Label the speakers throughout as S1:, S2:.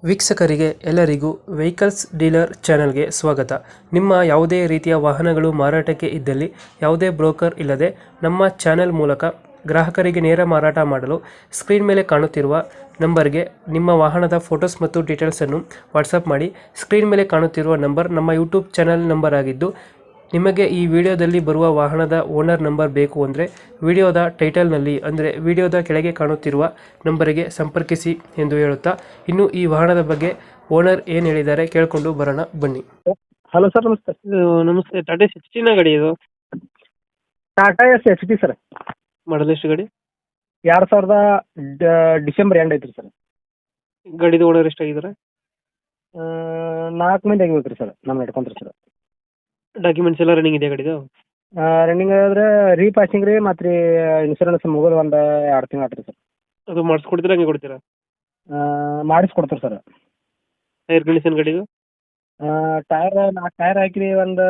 S1: ವೀಕ್ಷಕರಿಗೆ ಎಲ್ಲರಿಗೂ vehicles dealer ಚಾನೆಲ್ಗೆ ಸ್ವಾಗತ. ನಿಮ್ಮ ಯಾವುದೇ ರೀತಿಯ ವಾಹನಗಳು ಮಾರಾಟಕ್ಕೆ ಇದ್ದಲ್ಲಿ ಯಾವುದೇ ಬ್ರೋಕರ್ ಇಲ್ಲದೆ ನಮ್ಮ ಚಾನೆಲ್ ಮೂಲಕ ಗ್ರಾಹಕರಿಗೆ ನೇರ ಮಾರಾಟ ಮಾಡಲು ಸ್ಕ್ರೀನ್ ಮೇಲೆ ಕಾಣುತ್ತಿರುವ ನಂಬರ್ಗೆ ನಿಮ್ಮ ವಾಹನದ ಫೋಟೋಸ್ ಮತ್ತು ಡೀಟೇಲ್ಸನ್ನು ವಾಟ್ಸಪ್ ಮಾಡಿ. ಸ್ಕ್ರೀನ್ ಮೇಲೆ ಕಾಣುತ್ತಿರುವ ನಂಬರ್ ನಮ್ಮ ಯೂಟ್ಯೂಬ್ ಚಾನೆಲ್ ನಂಬರ್ ಆಗಿದ್ದು, ನಿಮಗೆ ಈ ವಿಡಿಯೋದಲ್ಲಿ ಬರುವ ವಾಹನದ ಓನರ್ ನಂಬರ್ ಬೇಕು ಅಂದರೆ ವಿಡಿಯೋದ ಟೈಟಲ್ನಲ್ಲಿ ಅಂದರೆ ವಿಡಿಯೋದ ಕೆಳಗೆ ಕಾಣುತ್ತಿರುವ ನಂಬರಿಗೆ ಸಂಪರ್ಕಿಸಿ ಎಂದು ಹೇಳುತ್ತಾ, ಇನ್ನು ಈ ವಾಹನದ ಬಗ್ಗೆ ಓನರ್ ಏನು ಹೇಳಿದ್ದಾರೆ ಕೇಳಿಕೊಂಡು ಬರೋಣ ಬನ್ನಿ.
S2: ಹಲೋ ಸರ್, ನಮಸ್ತೆ.
S1: ನಮಸ್ತೆ. ಟಾಟಾ 16 ಗಾಡಿ ಇದು?
S2: Tata S H D sir.
S1: Model ಎಷ್ಟು ಗಾಡಿ?
S2: 2000 ಡಿಸೆಂಬರ್ ಎಂಡ್ ಐತ್ರಿ ಸರ್.
S1: ಗಾಡಿದು ಓನರ್ ಎಷ್ಟಾಗಿದ್ದಾರೆ?
S2: 4 ಮಂದಿ ಆಗಿಬೇಕು ರೀ ಸರ್, ನಮ್ಮ ಹಿಡ್ಕೊಂತ್ರಿ ಸರ್.
S1: ಡಾಕ್ಯುಮೆಂಟ್ಸ್ ಎಲ್ಲ ರನ್ನಿಂಗ್ ಇದೆ ಗಾಡಿದು?
S2: ರನ್ನಿಂಗ್ ಆದ್ರೆ ರೀಪಾಸಿಂಗ್ ರೀ, ಮತ್ತು ರೀ ಇನ್ಶೂರೆನ್ಸ್ ಮುಗಿದು ಒಂದು 2 ತಿಂಗಳು ಆತ್ರಿ ಸರ್.
S1: ಅದು ಮಾಡಿಸ್ಕೊಡ್ತೀರಾ ಹಂಗೆ ಕೊಡ್ತೀರಾ?
S2: ಮಾಡಿಸ್ಕೊಡ್ತೀರಿ ಸರ್.
S1: ಟೈರ್ ಕಂಡೀಷನ್ ಗಾಡಿದು?
S2: ಟೈರ್ 4 ಟೈರ್ ಹಾಕಿ ಒಂದು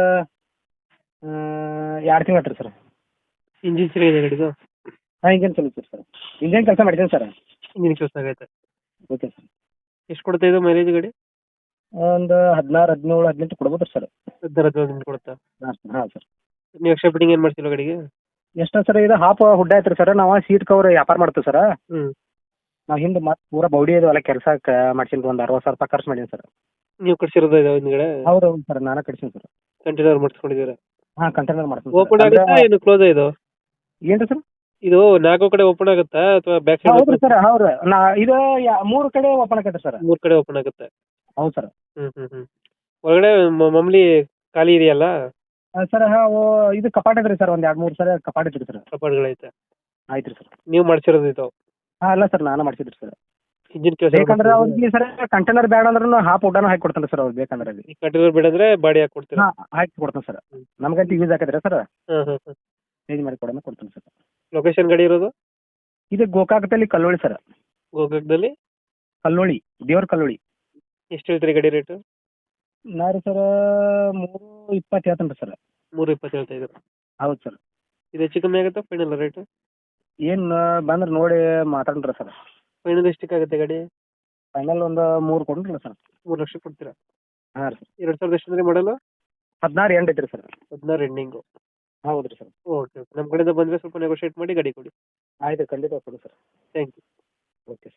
S2: 2 ತಿಂಗಳು ಆತ್ರಿ ಸರ್.
S1: ಇಂಜಿನ್ ಚೆನ್ನಾಗಿದೆ ಗಾಡಿದು?
S2: ಹಾಂ, ಇಂಜನ್ ಚಲುತ್ತೀರಿ ಸರ್. ಇಂಜನ್ ಕೆಲಸ ಮಾಡಿದ್ದೀನಿ ಸರ್.
S1: ಇಂಜಿನ್ ಕೆಲಸ ಆಗೈತೆ.
S2: Okay sir.
S1: ಎಷ್ಟು ಕೊಡ್ತಾ ಇದೆ ಮೈಲೇಜ್ ಗಾಡಿ?
S2: ಒಂದು 16, 17, 18 ಕೊಡ್ಬೋದು ಸರ್.
S1: 15 ಕೊಡುತ್ತಾ?
S2: ಹಾಂ ಸರ್.
S1: ನೀವು ಎಕ್ಸ್ಟ್ರಾ ಫಿಟ್ಟಿಂಗ್ ಏನು ಮಾಡ್ತಿಲ್ಲ ಗಾಡಿಗೆ?
S2: ಎಷ್ಟು ಸರ್? ಇದು ಹಾಫ್ ಹುಡ್ ಆಯ್ತು ರೀ ಸರ್. ನಾವು ಸೀಟ್ ಕವರ್ ವ್ಯಾಪಾರ ಮಾಡ್ತೀವಿ ಸರ್.
S1: ಹ್ಞೂ.
S2: ನಾವು ಹಿಂದೆ ಮತ್ತೆ ಪೂರಾ ಬೌಡಿ ಅದು ಎಲ್ಲ ಕೆಲಸ ಮಾಡ್ಸಿದ್ದು ಒಂದು 60,000 ರೂಪಾಯಿ ಖರ್ಚು ಮಾಡೀನಿ ಸರ್.
S1: ನೀವು ಕಟ್ಸಿರೋದು ಇದೆ ಹಿಂದ್ಗಡೆ?
S2: ಹೌದು ಸರ್, ನಾನೇ ಕಟ್ಸೀನಿ ಸರ್.
S1: ಕಂಟೈನರ್ ಮಾಡಿಸ್ಕೊಂಡಿದ್ದೀರಾ?
S2: ಹಾಂ, ಕಂಟೈನರ್ ಮಾಡ್ತೀನಿ.
S1: ಓಪನ್ ಆಗುತ್ತಾ ಏನು ಕ್ಲೋಸ್ ಇದು?
S2: ಏನು ರೀ ಸರ್?
S1: ಇದು 4 ಕಡೆ ಓಪನ್ ಆಗುತ್ತಾ ಅಥವಾ ಬ್ಯಾಕ್ ಸೈಡ್?
S2: ಹೌದು ಸರ್, ಹೌದು. ಇದು 3 ಕಡೆ ಓಪನ್ ಆಗತ್ತೆ ಸರ್.
S1: 3 ಕಡೆ ಓಪನ್ ಆಗುತ್ತೆ.
S2: ಹೌದು ಸರ್.
S1: ಒಳಗಡೆ ಮಾಮೂಲಿ ಖಾಲಿ ಇದೆಯಲ್ಲ?
S2: ಸರ್ ಹಾಂ, ಇದು ಕಪಾಟ್ ಐತ್ರಿ ಸರ್. ಒಂದು 2-3 ಸರ ಕಪಾಟ್ ಐತ್ರಿ ಸರ್.
S1: ಕಪಾಟ್ಗಳೈತೆ?
S2: ಆಯ್ತು ರೀ ಸರ್.
S1: ನೀವು ಮಾಡಿಸಿರೋದು ಇದು?
S2: ಹಾಂ, ಅಲ್ಲ ಸರ್, ನಾನು ಮಾಡಿಸಿದ್ರಿ ಸರ್.
S1: ಇಂಜಿನ್ ಕೆಲಸ
S2: ಬೇಕಂದ್ರೆ ಅವ್ರಿಗೆ ಸರ್ ಕಂಟೈನರ್ ಬೇಡ ಅಂದ್ರೂ ಹಾಫ್ ಉಡ್ಡಾನು ಹಾಕಿ ಕೊಡ್ತಾನೆ ಸರ್ ಅವ್ರು ಬೇಕಂದ್ರೆ. ಅಲ್ಲಿ
S1: ಕಂಟೈನರ್ ಬೇಡ ಅಂದ್ರೆ ಬಾಡಿ ಹಾಕಿ ಕೊಡ್ತೀರಾ?
S2: ಹಾಂ, ಹಾಕಿ ಕೊಡ್ತಾನೆ ಸರ್. ನಮ್ಗಂತೂ ಯೂಸ್ ಆಕತ್ರಿ ಸರ್.
S1: ಹಾಂ.
S2: ಚೇಂಜ್ ಮಾಡಿ ಕೊಡ್ತಾನೆ ಸರ್.
S1: ಲೊಕೇಶನ್ ಗಾಡಿ ಇರೋದು?
S2: ಇದು ಗೋಕಾಕದಲ್ಲಿ ಕಲ್ಲೋಳಿ ಸರ್.
S1: ಗೋಕಾಕದಲ್ಲಿ
S2: ಕಲ್ಲೋಳಿ, ದೇವ್ರ ಕಲ್ಲೋಳಿ.
S1: ಎಷ್ಟು ಹೇಳ್ತೀರಿ ಗಾಡಿ ರೇಟು?
S2: ನಾ ರೀ ಸರ್ 320 ಹೇಳ್ತೇನೆ ರೀ ಸರ್.
S1: 320 ಹೇಳ್ತಾ ಇದ್ರು?
S2: ಹೌದು ಸರ್.
S1: ಇದು ಹೆಚ್ಚು ಕಮ್ಮಿ ಆಗುತ್ತಾ ಫೈನಲ್ ರೇಟು?
S2: ಏನು ಬಂದ್ರೆ ನೋಡಿ ಮಾತಾಡ್ರಿ ಸರ್.
S1: ಫೈನಲ್ ಎಷ್ಟಕ್ಕೆ ಆಗುತ್ತೆ ಗಾಡಿ?
S2: ಫೈನಲ್ ಒಂದು 3 ಕೊಡ್ರಿ ಸರ್.
S1: 3 ಲಕ್ಷ ಕೊಡ್ತೀರಾ?
S2: ಹಾಂ ರೀ.
S1: 2000 ಎಷ್ಟು ಅಂದ್ರೆ ಮಾಡಲ್ಲ?
S2: 16 ಎಂಡ್ ಐತ್ರಿ ಸರ್.
S1: 16 ಎಂಡಿಂಗು?
S2: ಹೌದು ರೀ ಸರ್.
S1: ಓಕೆ. ನಮ್ಮ ಕಡೆಯಿಂದ ಬಂದರೆ ಸ್ವಲ್ಪ ನೆಗೋಷಿಯೇಟ್ ಮಾಡಿ ಗಾಡಿ ಕೊಡಿ.
S2: ಆಯ್ತು, ಖಂಡಿತ ಕೊಡಿ sir.
S1: Thank you.
S2: Okay sir.